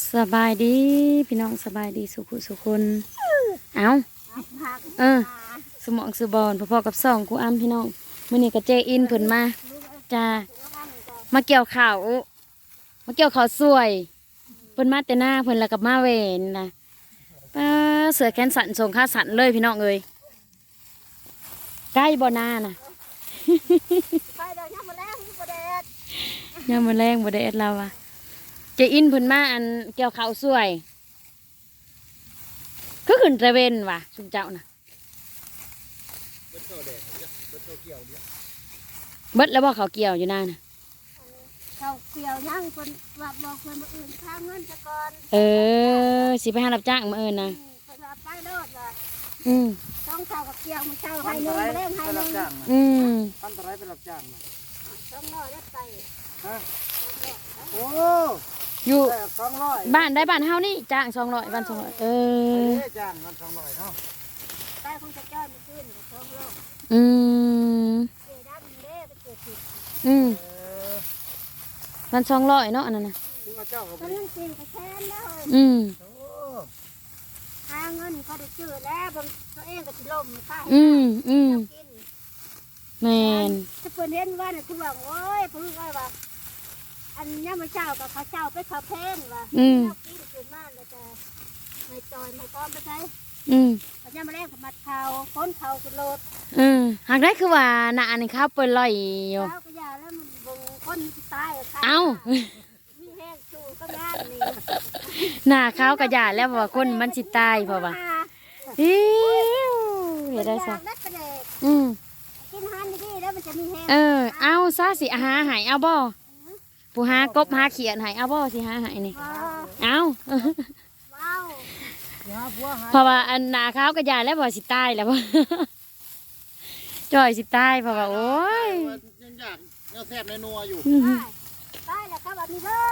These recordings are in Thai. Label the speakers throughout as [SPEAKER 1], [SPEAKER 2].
[SPEAKER 1] สบายดีพี่น้องสบายดีสุขุสุคนเอาสมองสือบอลพอๆกับ2กูอ้ำพี่น้องมื้อนี้ก็เจอินเพิ่นมาจ้ามาเกี่ยวข้าวสวยเพิ่นมาแต่หน้าเพิ่นแล้วกับมาเวนนะป้าเสือแขนสั่นส่งค่าสั่นเลยพี่น้องเอ้ยใกล้บ่หน้าน่ะยังมื้อแรงบ่ได้เอ็ดเราอะเจอินเพิ่นมาอันเกี่ยวข้าวสวยก็ขึ้นตะเวนว่ะสุเจ้าน่ะเบิดแล้วบ่เขาเกี่ยวอยู่หน้าน่ะ
[SPEAKER 2] เขาเกี่ยวยังคนว่าบอกคนมาอื่นข้างเงินซะก่อน
[SPEAKER 1] สิไปหารับจ้างมานะ
[SPEAKER 2] คนว่าไปโลดว่าต้องเช่ากับเกี่ยวมันเช่าให้นึงเล่มให้นึง
[SPEAKER 3] พันตะไรเป็นรับจ้างนะ
[SPEAKER 2] 200ได้ไป
[SPEAKER 3] ฮะโอ้
[SPEAKER 1] อยู่
[SPEAKER 3] 200
[SPEAKER 1] บ้านเฮานี่จ้าง200วัน200
[SPEAKER 3] จ้างวัน200เนาะ
[SPEAKER 2] แต่คงจะจ้อยมันขึ้น200เด้ดำเด้ไปเกิดผิด
[SPEAKER 1] วัน200เนาะอันนั้นน่ะ
[SPEAKER 3] ถึงว่าเจ้าก็
[SPEAKER 2] มันยังกินไปแค่นั้นเลยหาเงินเขาได้ชื่อแล้วบางตัวเองก็สิล่มค่ากิน
[SPEAKER 1] แม่น
[SPEAKER 2] ถ้าเพิ่นเห็นว่าน่ะคือว่าโอ้ยเพิ่นว่าอันนี้มาเจ้ากับเขาเจ้าไปเขาเพนว่าเจ้ากินขึ้นมาแล้วจะไม่จอยไม่ก้อมไปใช้ปัญญามาแรกกับมัดเขาพ้นเขาขึ้นรถ
[SPEAKER 1] หากได้คือว่าหน้านี่ข้าวเปิ้นลอยอยู่
[SPEAKER 2] เขาก็ยาแล้วมันบงคนตายมีแห้งชูก็ยานี่
[SPEAKER 1] หน้าข้าวก็ยาแล้วว่าคนมันสิตายเพราะว่าเดี๋ยวได้ซะ
[SPEAKER 2] กินหันดีแล้วมันจะมีแห้ง
[SPEAKER 1] เอาซะสิหาหายเอาบ่ผู้หากบหาเขียนหายเอาบ่สิหาหายนี่เอาเพราะว่าอันหน้าข้าวก็ยาแล้วว่าสิตายแล้วบ่จ่อยสิตายเพราะว่าโอ้ย
[SPEAKER 3] ยังอยากยังแซ่บในนัวอยู่
[SPEAKER 2] ตายแล้วก็แบบนี้เด้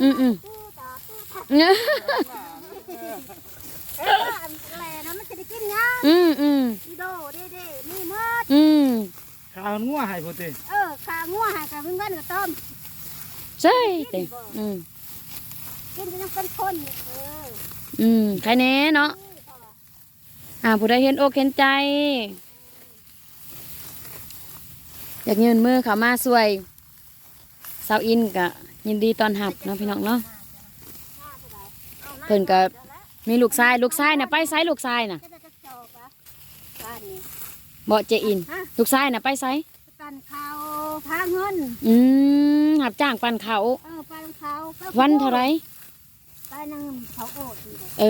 [SPEAKER 2] อะไรนะมันจะได้กินยังโดเด้นี่มด
[SPEAKER 3] ข้าวงัวหายพอดี
[SPEAKER 2] ข้าวงัวหายกับเงินกับต้ม
[SPEAKER 1] ใช่
[SPEAKER 2] กินก็ยังเป็นคน
[SPEAKER 1] ใครแน่เนาะผู้ใดเห็นอกเห็นใจอยากเงินมือเขามาสวยสาวอินกะยินดีตอนหับเนาะพี่น้องเนาะเพิ่นก็มีลูกชายน่ะไปไซลูกชายน่ะบ่เจอินลูกชายน่ะไปไซ
[SPEAKER 2] ปั่นเขาพาเงิน
[SPEAKER 1] หับจ้างปั่นเขา
[SPEAKER 2] ปั่นเขา
[SPEAKER 1] วันเท่าไร
[SPEAKER 2] ไปนั่งเขาโอด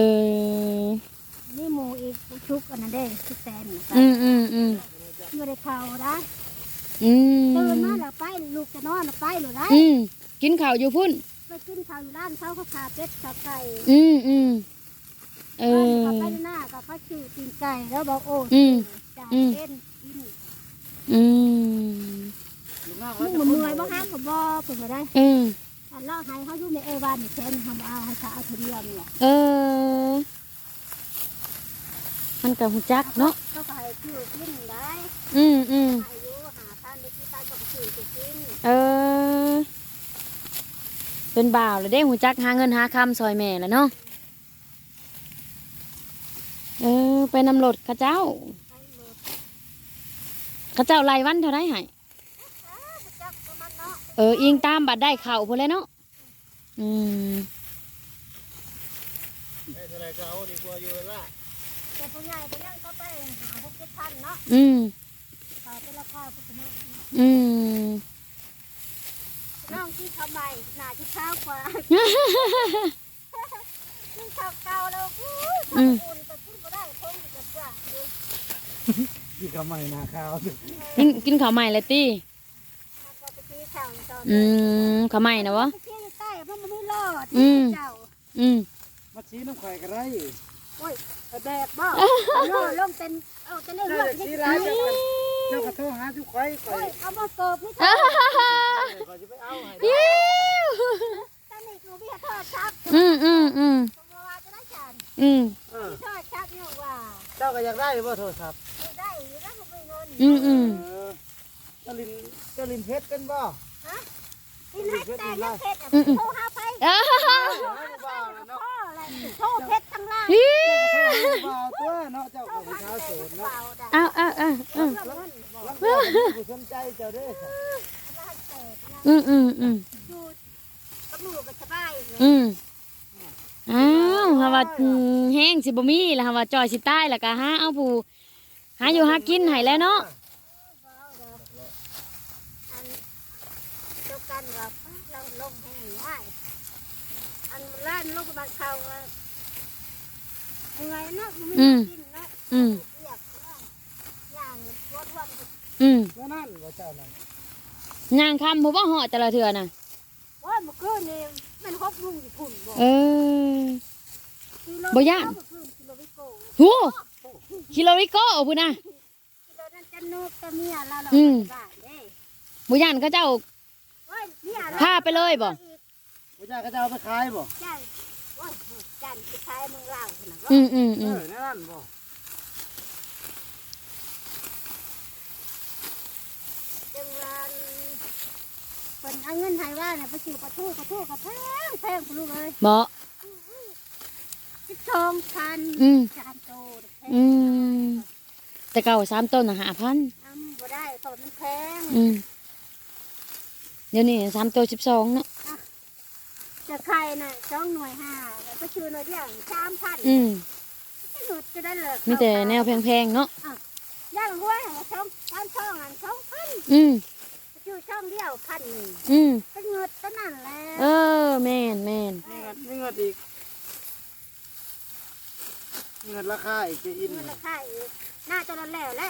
[SPEAKER 2] นี่หมูอีกชุกอันนั้นเด้ชุกแซนไม่ได้เขาได้ตื่นมาแล้วไปลูกจะนอนไปหรือไร
[SPEAKER 1] กินข้าวอยู่พุ่น
[SPEAKER 2] ไปกินข้าวอยู่ร้านเขาขาเป็ดขาไก่
[SPEAKER 1] เขา
[SPEAKER 2] ไปหน้าก็เขาชื่อกินไก่แล้วบอกโอ้จ่ายเอ็นมึงเมื่อยบ่ห้ามกับบ่เปิดมาได้อันล่อให้เขาอยู่ในวันแทนทำเอาให้เขาเอาเทียมเนี่ย
[SPEAKER 1] มันกับหูจักเนาะ
[SPEAKER 2] เขาก็ให้ชื่อกินได้อายุ5,000ได้กี่ตันก็ชื่อกิน
[SPEAKER 1] เป็นบ่าวเลยได้หูจักหาเงินหาคำซอยแม่แล้วเนาะไปนำรถข้าเจ้าไล่วันเท่าไรหายอิงตามบัดได้เข่าพอแล้วเนาะ
[SPEAKER 3] อะไรก็เอาดีกว่าอยู่ละ
[SPEAKER 2] แต่ผู้ใหญ่ก็ยังเข้าไปหา6,000เนาะเขาเป็นราคาพวกนี้น้องที่ทำไมหนาที่ข้าวกว่าขึ้นข้าวเก่าแล้วอุ่นแต่ขึ้นก็ได้คงจะกว่า
[SPEAKER 3] กินข้าวใหม่นาข้าว
[SPEAKER 1] กินข้าวใหม่เลยตีข้าวใหม่นะวะ
[SPEAKER 2] ใต้เพราะมันไม่รอดเจ้า
[SPEAKER 3] มาชี้น้ำไข่กันไร
[SPEAKER 2] โอ้ยแดดบ่ลงเต็นเต็นเรื่อง
[SPEAKER 3] ชี้ไรเจ้ากระโถหาทุกไข่
[SPEAKER 2] เอามาเกิบนี่จ้า
[SPEAKER 3] จะไปเอาให้
[SPEAKER 2] ตอนนี้คือพี่ทอดชักว่าจะได้ฉันทอดชักเนี่ยว่า
[SPEAKER 3] เจ้าก็อยากได้บ่โทรศัพท์
[SPEAKER 2] ได้อยู่นะผมมีเงิน
[SPEAKER 3] เจ้าลินเพชรเป็นบ่
[SPEAKER 2] ลินเพชรแต่ยังเพชรโทรหาไปโทษเพชรทั้งล่าง
[SPEAKER 1] ฮิ
[SPEAKER 3] บ่าวตัวเนาะเจ้าก็ผู้ชายโสดเนาะ
[SPEAKER 1] เอา
[SPEAKER 3] ลังผู้สนใจเจ้าเด้อ
[SPEAKER 1] อืม
[SPEAKER 2] อยู่กับหนูก็สบาย
[SPEAKER 1] อ้าวหาว่าแห้งสิบ่มีล่ะหาว่าจอยสิตายล่ะก็หาเอาผู้หาอยู่หากินให้แล้วเนาะ
[SPEAKER 2] อันเดียวกันกับเราลงแห้งง่ายอันล้านลงบันเขาเมื่อยนะไม่กินนะอยากอย่างวัดวัน
[SPEAKER 3] แล้วนั่นว่าเจ้านั่น
[SPEAKER 1] ย่างคำผู้บ่เหาะแต่ละเทื่อน่ะ
[SPEAKER 2] ว่าเมื่อคืนนี่มัน6 โมงอยู่พุ่นบ่
[SPEAKER 1] เออ บ่ย่าน
[SPEAKER 2] กิโลวิโก้
[SPEAKER 1] โหคิโลริโกพุ่นน่ะ
[SPEAKER 2] กิโลนั้นจะนกจะเมียเราบ้านเด้
[SPEAKER 1] บ่ย่านเขาเจ้า พาไปเลยบ่
[SPEAKER 3] ผู้ชายก็จะเอาไปขายบ่
[SPEAKER 2] จันว่าจันสุดท้ายมึงเล่าขนาด
[SPEAKER 3] นั่นบ่
[SPEAKER 2] จังวันเป็นเอาเงินไทยว่าเนี่ยไปซื้อปลาทูกับแพงคุณลูกเลย
[SPEAKER 1] บ่
[SPEAKER 2] 12,000จานโตแพง
[SPEAKER 1] แต่เก่า3ต้นน่ะ5,000
[SPEAKER 2] บ่ได้เพราะมันแพง
[SPEAKER 1] เดี๋ยวนี้3ตัว12เนาะ
[SPEAKER 2] จะไข่น่ะ2 หน่วย 5แล้วก็ชื่อหน่วยเดียว3,000ไม่หลุดจะได้เลย
[SPEAKER 1] มีแต่แนวแพงๆเนาะ
[SPEAKER 2] ย่างห้วยช่องอัน2,000ชื่อช่องเดียว1,000ก็เงิดก็นั่นแหละ
[SPEAKER 1] แม่น
[SPEAKER 3] มีเงินอีกเงินราคาอีกจะอิน
[SPEAKER 2] เงินราคาอีกหน้าจนแล้วแหละ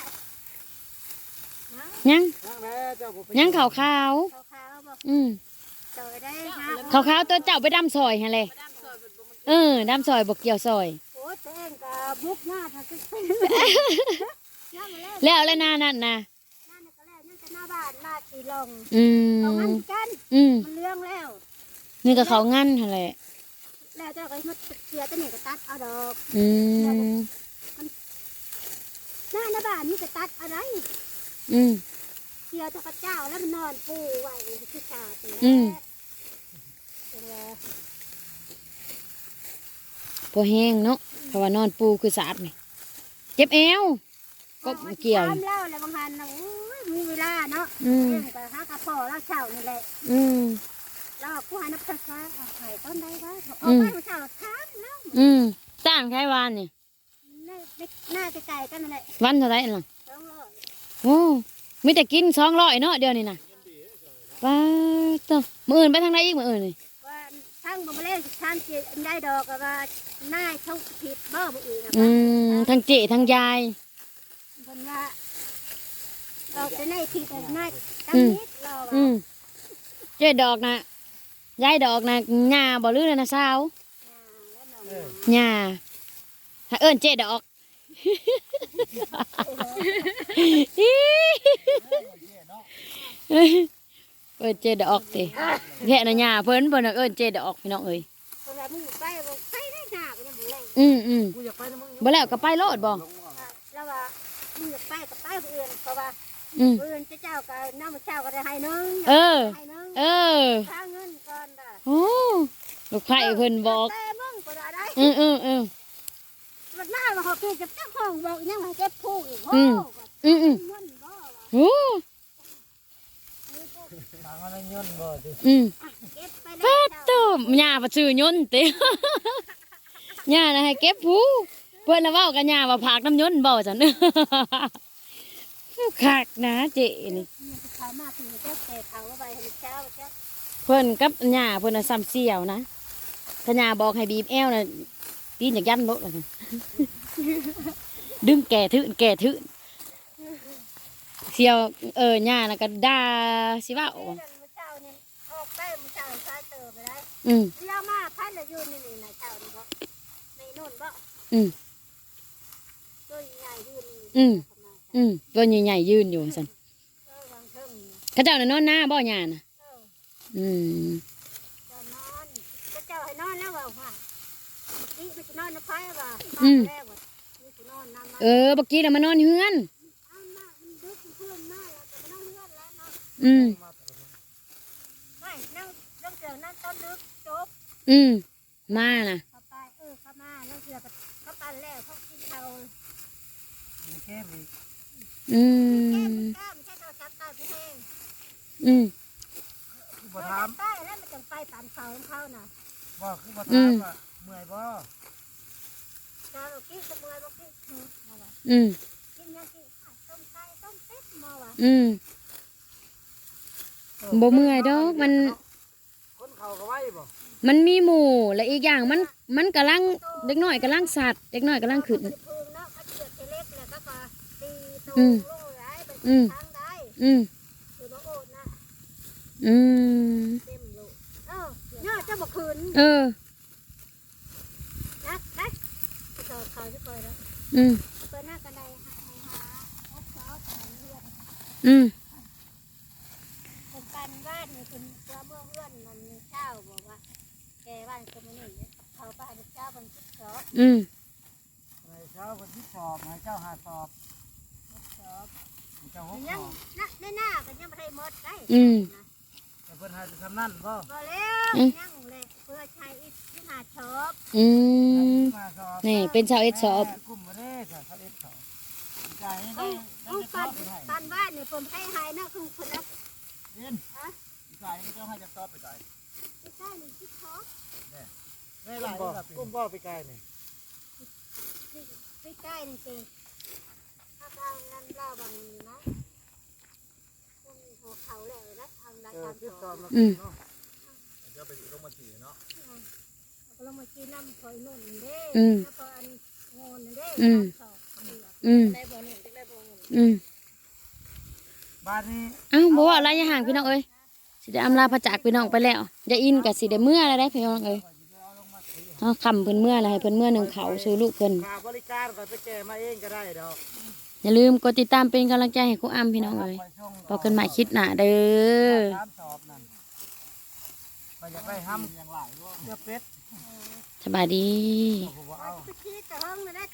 [SPEAKER 1] ยัง
[SPEAKER 3] นั่งแล้วเจ้าบ่ไป
[SPEAKER 1] ยังขาว
[SPEAKER 2] ขาวๆบอกจอยได้นะ
[SPEAKER 1] ขาวตัวเจ้าไปดำซอยหั่นแหละดำซอยบ่เกี่ยวซอย
[SPEAKER 2] โอ้เต้งกับบุกหน้าทางขึ้นย่างมาแล้ว
[SPEAKER 1] แล้วนานั่นนะ
[SPEAKER 2] หน้าก็แล้วนั่นก็หน้าบ้านหน้าสีลง
[SPEAKER 1] อื
[SPEAKER 2] เอา
[SPEAKER 1] ม
[SPEAKER 2] งั้นกัน
[SPEAKER 1] อืม
[SPEAKER 2] มันเรื่องแล้ว
[SPEAKER 1] นี่ก็เขางั้นหั่นแหละ
[SPEAKER 2] แล้วเจ้าก็มาเสียตัวนี้ก็ตัดเอาดอก
[SPEAKER 1] อืม
[SPEAKER 2] หน้าบ้านนี่ก็ตัดอะไร
[SPEAKER 1] อืม
[SPEAKER 2] เสียตัวเจ้าแล้วมันนอนปูไว้ที่ชาตี
[SPEAKER 1] พอแห้งเนาะเพราะว่านอนปูคือสะอาดนี่เจ็บเอวก็เกี่ยว
[SPEAKER 2] ตามเล่าอะไรบางทันนะโอ้ยมีเวลาเนาะ
[SPEAKER 1] อืม
[SPEAKER 2] เรื่องกับหากระเพาะแล้วเช้านี่แหละ
[SPEAKER 1] อืม
[SPEAKER 2] แล้วผู้หานับภาษาหายต้นได้บ้างเอาไปเช้าถามแล้ว
[SPEAKER 1] จ้างใครวานนี่
[SPEAKER 2] หน้าไกลๆกันนั่นแหละ
[SPEAKER 1] วันเท่าไหร่ล่ะ
[SPEAKER 2] 200
[SPEAKER 1] โอ้มีแต่กิน200เนาะเดี๋ยวนี้นะว้าตัวมื้ออื่นไปทางไหนอีกมื้ออื่นนี่
[SPEAKER 2] ว่าทั้งบ่มาเล่นทางจีได้ดอกก็ว่าหน้าช่องผิดบ่บ่อื่นนะ
[SPEAKER 1] ทางเจทางยาย
[SPEAKER 2] เพิ่นว่าออกแต่ในผิดแต่ในตำนิดเราว่า
[SPEAKER 1] เจดอกนะยายดอกนะหญ้าบ่ลือนะสาว
[SPEAKER 2] แล้วน้อง
[SPEAKER 1] หญ้าถ้าเอิ้นเจดอก เอิ้นเจดอกติแค่นะหญ้าเพิ่นน่ะเอิ้นเจดอกพี่น้องเอ้ย
[SPEAKER 2] เพิ่นว่ามึงไปบ่ไปได้หน้าก็ยังบ่แรง
[SPEAKER 3] กูอยากไปนะมึง
[SPEAKER 1] บ่แล้วก็ไปโลดบ่
[SPEAKER 2] แล้วว่ามึงอยากไปก็ไปผู้อื่นเพราะว่า ผู้อื่นเจ้าก็น้ำเช้าก็ได้ให้นึงให้นึงค่าเงินก่อนด่ะ
[SPEAKER 1] โอ้ลูกไผ่เพิ่นบอก
[SPEAKER 2] แต่มึงก็ได้ มันน่ามาเขาเก็บเจ้าของบอกยังมาเก็บผู้อีกโอ้มันบ่
[SPEAKER 1] โอ้
[SPEAKER 3] ทางอะไรเงินบ่ดิ
[SPEAKER 2] เก็บไป
[SPEAKER 1] ปั
[SPEAKER 2] แล้ว
[SPEAKER 1] ดตุ่มหญ้าบ่ซื้อยนต์ติ หญ้าน่ะให้เก็บผู้เพิ่นน่ะเว้ากับหญ้าว่าผากน้ำยนต์บ่ซั่น คักนะเจนี่
[SPEAKER 2] เขามาถึงเจ้าแต่เขาว่าไปให้เช้าเจ้า
[SPEAKER 1] เพิ่นกับหญ้าเพิ่นน่ะซ้ำเสี่ยวนะถ้าหญ้าบอกให้บีบแอวน่ะตีนอยากยันโลดว่าซั่น ดึงแก่ทื่นเสี่ยวหญ้าน่ะก็ด่าสิว่า
[SPEAKER 2] เช้าเนี่ยออกไปมื้อเช้าซาเตอไปได้ เลี้ยวมาพันละอยู่นี่นะเช้านี่บ่ในโน่นบ่ตัวใหญ่ยืนนี่
[SPEAKER 1] ตัวใหญ่ๆยืนอยู่ซั่น
[SPEAKER 2] วางเทิง
[SPEAKER 1] เขาเจ้าน่ะนอนหน้าบ่หญ้าน่ะอืม
[SPEAKER 2] จะนอนก็เจ้าให้นอนแล้วว่าค่ะนี่มันจะนอนในไฟว่าแล้วว่านี่จะนอนน้ำมา
[SPEAKER 1] บักกี้น่ะมานอนเฮือน
[SPEAKER 2] เอามามันดึกเพื่อนมาแล้วจะมานอนเฮือนแล้วเนาะ ไม่นั่งเจอนั่งต้นดึกจบ
[SPEAKER 1] มาน่ะ
[SPEAKER 2] เข้าไปเข้ามาแล้วเสือกับเขาปันแล้วเขากินเขา
[SPEAKER 3] มีแค่อีก
[SPEAKER 1] อื
[SPEAKER 2] แก้
[SPEAKER 1] ม
[SPEAKER 2] มันก้าไม่ใช่โทรศัพท์ใต้ผู้แห้ง
[SPEAKER 1] อืม
[SPEAKER 3] คือ
[SPEAKER 2] โท
[SPEAKER 3] บ่
[SPEAKER 2] ร
[SPEAKER 3] ถา
[SPEAKER 2] ศั
[SPEAKER 3] ม
[SPEAKER 2] พท์ใต้แล้วมันจังไปตามเขาของเขาน่ะ
[SPEAKER 3] บ่คือบ่ถามว่าเมื่อยบ่
[SPEAKER 2] เจ้าเรากินขโมยบอกกินมาว่ะ
[SPEAKER 1] อืม
[SPEAKER 2] กินยังกินต้มไก่ต้มเป็ดมาว่ะ
[SPEAKER 1] อืมบ่เมื่อยดอกมัน
[SPEAKER 3] คนเขาก็ไว้บ่
[SPEAKER 1] มันมีหมู่และอีกอย่างมันกำลังเด็กน้อยกำลังสัตว์เด็กน้อยกำลังขึ้น
[SPEAKER 2] พึ่งเนาะเขาเจือดเล็กแล้วก็ตีตรง
[SPEAKER 1] อืม
[SPEAKER 2] ลงไหลเป็น
[SPEAKER 1] อืม
[SPEAKER 2] ทางได้
[SPEAKER 1] อืม
[SPEAKER 2] คือบ่โอดนะ
[SPEAKER 1] อืม
[SPEAKER 2] เต็มลูกเนี่ยเจ้าบ่คืน
[SPEAKER 1] เออ
[SPEAKER 2] นักนะไปต่อเขาที่คอยแล้ว
[SPEAKER 1] อืม
[SPEAKER 2] เปิดหน้ากันได้หาโอ๊ตซอสหาเลือด
[SPEAKER 1] อืม
[SPEAKER 2] เป็นการบ้านนี่เป็นตัวเมื่อเพื่อนมันมีเช้าบอกว่าแกบ้านคนนี้เขาบ้านเจ้าเป็นคิดซอส
[SPEAKER 1] อืม
[SPEAKER 3] ให้เช้าคนที่สอบให้เจ้าหาสอบ
[SPEAKER 2] ซอส
[SPEAKER 3] ให้เจ้าหกส
[SPEAKER 2] ยัง
[SPEAKER 3] อบ
[SPEAKER 2] ในหน้ากันยังไม่ได้หมดได้
[SPEAKER 1] อืม
[SPEAKER 3] แต่เพิ่นให้ทำนั่นบ่
[SPEAKER 2] ก็แล้วยังเลยเพื่อใช้อีกที่หาชอบ
[SPEAKER 1] อืม
[SPEAKER 3] มาสอบ
[SPEAKER 1] นี่เป็นชาวเอ็ดสอบ
[SPEAKER 3] กลุ่มบ่ได้ค่ะเขาเอ็ดสอบจ่ายให้
[SPEAKER 2] เอา
[SPEAKER 3] ได้
[SPEAKER 2] เอา
[SPEAKER 3] จะส
[SPEAKER 2] ปั
[SPEAKER 3] อน บไปให้
[SPEAKER 2] ปันบ้านเนี่ยผมให้หายนะคือคนละ
[SPEAKER 3] เอ็นจ่ายให้เจ้าให้จะสอบไปจ่าย
[SPEAKER 2] ไม่ใช่หนึ่งคิดซอส
[SPEAKER 3] ได้หลายกลุ่มบ่ไปไกลนี่
[SPEAKER 2] ใกล้ๆนี่เองถ้าทางนั้นเล่าบางนะหัวเขาแล้วนะทำรายการ
[SPEAKER 3] ที่
[SPEAKER 2] ส
[SPEAKER 3] ส
[SPEAKER 2] อ
[SPEAKER 3] อบบ แล้ว
[SPEAKER 1] อืม
[SPEAKER 3] เนาะเดี๋ยวไปลงมาขี่เนาะ
[SPEAKER 2] เรามากินน้ำคอยนุ่นเด้
[SPEAKER 1] อืม
[SPEAKER 2] แล้วก็อันโงนเด้
[SPEAKER 1] อืม
[SPEAKER 2] สอบ
[SPEAKER 1] อืม
[SPEAKER 2] ได้บ่หนึ่งได้บ่หนึ่ง
[SPEAKER 1] อืม
[SPEAKER 3] บ้านนี้
[SPEAKER 1] เอ้าบอกว่าอะไรอย่าห่างพี่น้องเอ้ยสิได้อำลาพระจากพี่น้องไปแล้วอย่าอินกับสิได้เมื่ออะไรได้พี่น้องเอ้ยเอาคำเพิ่นเมื่ออะไรให้เพิ่นเมื่อหนึ่งเขาสู่ลูกเพิ่น
[SPEAKER 3] ค่าบริการก็ไปแก้มาเองก็ได้ดอก
[SPEAKER 1] อย่าลืมกดติดตามเป็นกำลังใจให้ครูอ้ำพี่น้องเอ้ยพบกันใหม่คลิปหน้าเด้อ
[SPEAKER 3] ตามสอบนั่นไปอยากได้ห้ำอย่างหลายเพื่อเป็ด
[SPEAKER 1] สบายดี
[SPEAKER 3] ผมว่า
[SPEAKER 2] เอา
[SPEAKER 3] เอา
[SPEAKER 2] ไปคิดแต่ห้องนะ